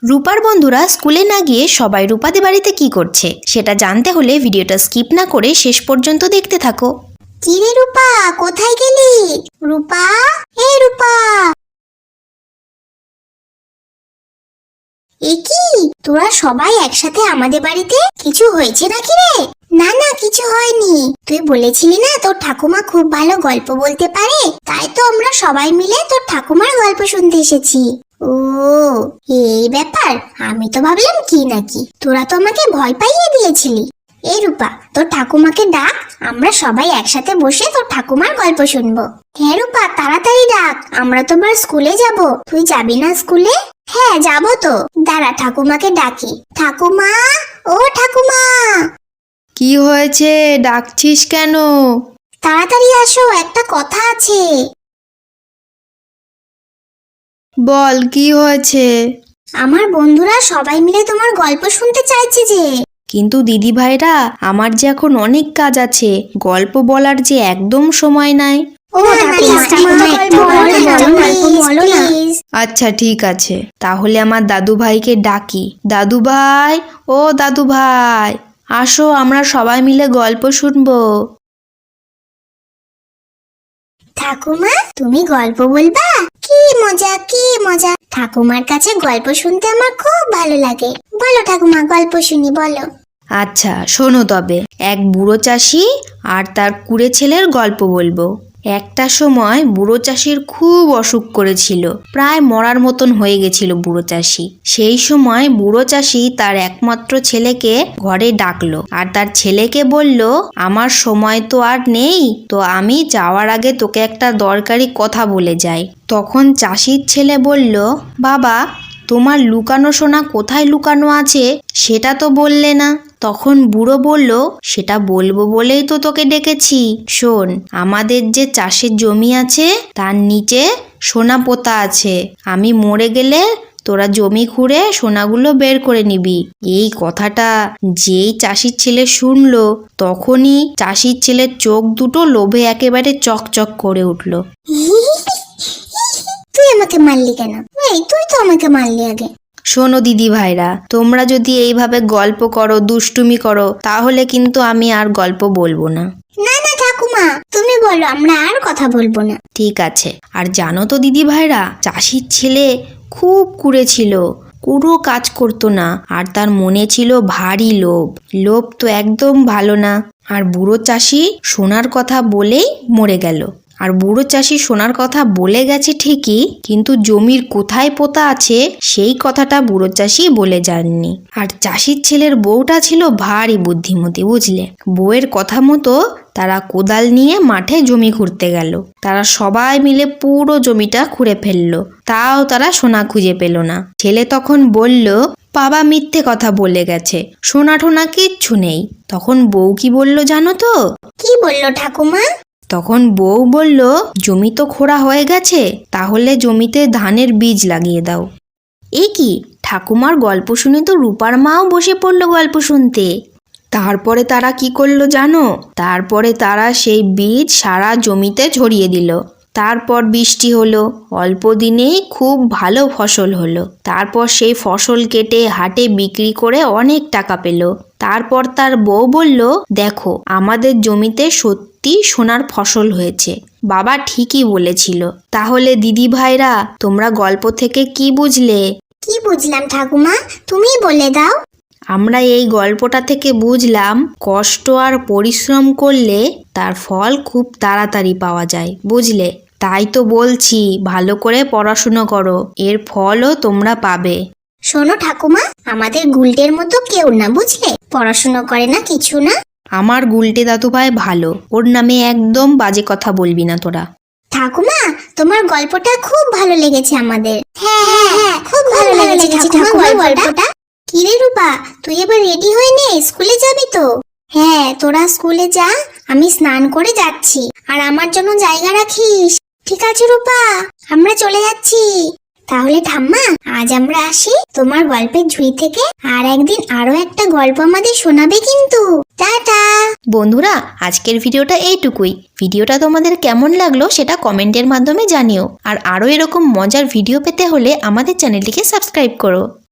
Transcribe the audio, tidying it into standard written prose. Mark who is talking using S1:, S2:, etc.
S1: রূপার বন্ধুরা স্কুলে না গিয়ে সবাই রূপাদের বাড়িতে কি করছে সেটা জানতে হলে ভিডিওটা স্কিপ না করে শেষ পর্যন্ত দেখতে থাকো।
S2: কি রে রূপা, কোথায় গেলি? রূপা, এই রূপা, এ কি তোরা সবাই একসাথে আমাদের বাড়িতে? কিছু হয়েছে নাকি রে? না না, কিছু হয়নি। তুই বলেছিলি না তোর ঠাকুমা খুব ভালো গল্প বলতে পারে, তাই তো আমরা সবাই মিলে তোর ঠাকুমার গল্প শুনতে এসেছি। ও, এই ব্যাপার। আমি তো ভাবলাম কি নাকি, তোরা তো আমাকে ভয় পাইয়ে দিয়েছিলি। এই রূপা, তোর ঠাকুমাকে ডাক, আমরা সবাই একসাথে বসে তোর ঠাকুমার গল্প শুনবো। হ্যাঁ রূপা, তাড়াতাড়ি ডাক, আমরা তো আবার স্কুলে যাব। তুই যাবি না স্কুলে? হ্যাঁ যাবো তো, দাঁড়া ঠাকুমাকে ডাকি। ঠাকুমা, ও ঠাকুমা।
S1: কি হয়েছে, ডাকছিস কেন?
S2: তাড়াতাড়ি আসো, একটা কথা আছে।
S1: বল, কি হয়েছে?
S2: আমার বন্ধুরা সবাই মিলে তোমার গল্প শুনতে চাইছে যে।
S1: কিন্তু দিদি ভাইরা, আমার যে এখন অনেক কাজ আছে, গল্প বলার যে একদম সময় নাই। আচ্ছা ঠিক আছে, তাহলে আমার দাদু ভাইকে ডাকি। দাদু ভাই, ও দাদু ভাই, আসো আমরা সবাই মিলে গল্প শুনবো।
S2: ঠাকুমা, তুমি গল্প বলবা? কি মজা, কি মজা। ঠাকুমার কাছে গল্প শুনতে আমার খুব ভালো লাগে। বলো ঠাকুমা, গল্প শুনি, বলো।
S1: আচ্ছা শোনো তবে, এক বুড়ো চাষি আর তার কুড়ে ছেলের গল্প বলবো। একটা সময় বুড়ো চাষির খুব অসুখ করেছিল, প্রায় মরার মতন হয়ে গেছিল বুড়ো চাষি। সেই সময় বুড়ো চাষি তার একমাত্র ছেলেকে ঘরে ডাকলো আর তার ছেলেকে বলল, আমার সময় তো আর নেই, তো আমি যাওয়ার আগে তোকে একটা দরকারি কথা বলে যাই। তখন চাষির ছেলে বলল, বাবা, তোমার লুকানো সোনা কোথায় লুকানো আছে সেটা তো বললে না। তখন বুড়ো বলল, সেটা বলবো বলেই তো তোকে ডেকেছি। শোন, আমাদের যে চাষের জমি আছে তার নিচে সোনা পোতা আছে। আমি মরে গেলে তোরা জমি খুঁড়ে সোনাগুলো বের করে নিবি। এই কথাটা যেই চাষির ছেলে শুনলো, তখনই চাষির ছেলের চোখ দুটো লোভে একেবারে চকচক করে উঠল।
S2: তুই আমাকে মারলি কেন? এই, তুই তো আমাকে মারলি আগে।
S1: শোনো দিদি ভাইরা, তোমরা যদি এইভাবে গল্প করো, দুষ্টুমি করো, তাহলে কিন্তু আমি আর গল্প বলবো না।
S2: না না ঠাকুমা, তুমি বলো, আমরা আর কথা বলবো না।
S1: ঠিক আছে। আর জানো তো দিদি ভাইরা, চাষির ছেলে খুব কুঁড়ে ছিল, কোনো কাজ করতো না, আর তার মনে ছিল ভারী লোভ। লোভ তো একদম ভালো না। আর বুড়ো চাষি সোনার কথা বলেই মরে গেল। আর বুড়ো চাষি সোনার কথা বলে গেছে ঠিকই, কিন্তু জমির কোথায় পোতা আছে সেই কথাটা বুড়ো চাষি বলে যাননি। আর চাষির ছেলের বউটা ছিল ভারী বুদ্ধিমতী, বুঝলে। বউয়ের কথা মতো তারা কোদাল নিয়ে মাঠে জমি খুঁড়তে গেল। তারা সবাই মিলে পুরো জমিটা খুঁড়ে ফেললো, তাও তারা সোনা খুঁজে পেল না। ছেলে তখন বলল, বাবা মিথ্যে কথা বলে গেছে, সোনা টোনা কিচ্ছু নেই। তখন বউ কি বলল জানো তো?
S2: কি বললো ঠাকুমা?
S1: তখন বউ বলল, জমি তো খোঁড়া হয়ে গেছে, তাহলে জমিতে ধানের বীজ লাগিয়ে দাও। এ কি, ঠাকুমার গল্প শুনে তো রূপার মাও বসে পড়লো গল্প শুনতে। তারপরে তারা কি করলো জানো? তারপরে তারা সেই বীজ সারা জমিতে ছড়িয়ে দিল। তারপর বৃষ্টি হলো, অল্প দিনেই খুব ভালো ফসল হলো। তারপর সেই ফসল কেটে হাটে বিক্রি করে অনেক টাকা পেল। তারপর তার বউ বলল, দেখো আমাদের জমিতে সত্যি সোনার ফসল হয়েছে, বাবা ঠিকই বলেছিল। তাহলে দিদি ভাইরা, তোমরা গল্প থেকে কি বুঝলে?
S2: কি বুঝলাম ঠাকুমা, তুমি বলে দাও।
S1: আমরা এই গল্পটা থেকে বুঝলাম, কষ্ট আর পরিশ্রম করলে তার ফল খুব তাড়াতাড়ি পাওয়া যায়, বুঝলে। তাই তো বলছি, ভালো করে পড়াশুনো করো, এর ফলও তোমরা পাবে।
S2: শোনো ঠাকুমা, আমাদের গুলটের মতো কেউ না, বুঝলে, পড়াশোনা করে না, কিছু না।
S1: আমার গুলটে দাদু ভাই ভালো, ওর নামে একদম বাজে কথা বলবি না তোরা।
S2: ঠাকুমা, তোমার গল্পটা খুব ভালো লেগেছে আমাদের। হ্যাঁ হ্যাঁ হ্যাঁ, খুব ভালো লেগেছে ঠাকুমা গল্পটা। কি রে রূপা, তুই এবার রেডি হয়ে নে, স্কুলে যাবি তো? হ্যাঁ, তোরা স্কুলে যা, আমি স্নান করে যাচ্ছি। আর আমার জন্য জায়গা রাখিস। ঠিক আছে রূপা, আমরা চলে যাচ্ছি। তাহলে ঠাম্মা, আজ আমরা আসি। তোমার গল্পের ঝুড়ি থেকে আর একদিন আরো একটা গল্প আমাদের শোনাবে কিন্তু। টাটা।
S1: বন্ধুরা, আজকের ভিডিওটা এইটুকুই। ভিডিওটা তোমাদের কেমন লাগলো সেটা কমেন্টের মাধ্যমে জানিও। আর আরও এরকম মজার ভিডিও পেতে হলে আমাদের চ্যানেলটিকে সাবস্ক্রাইব করো।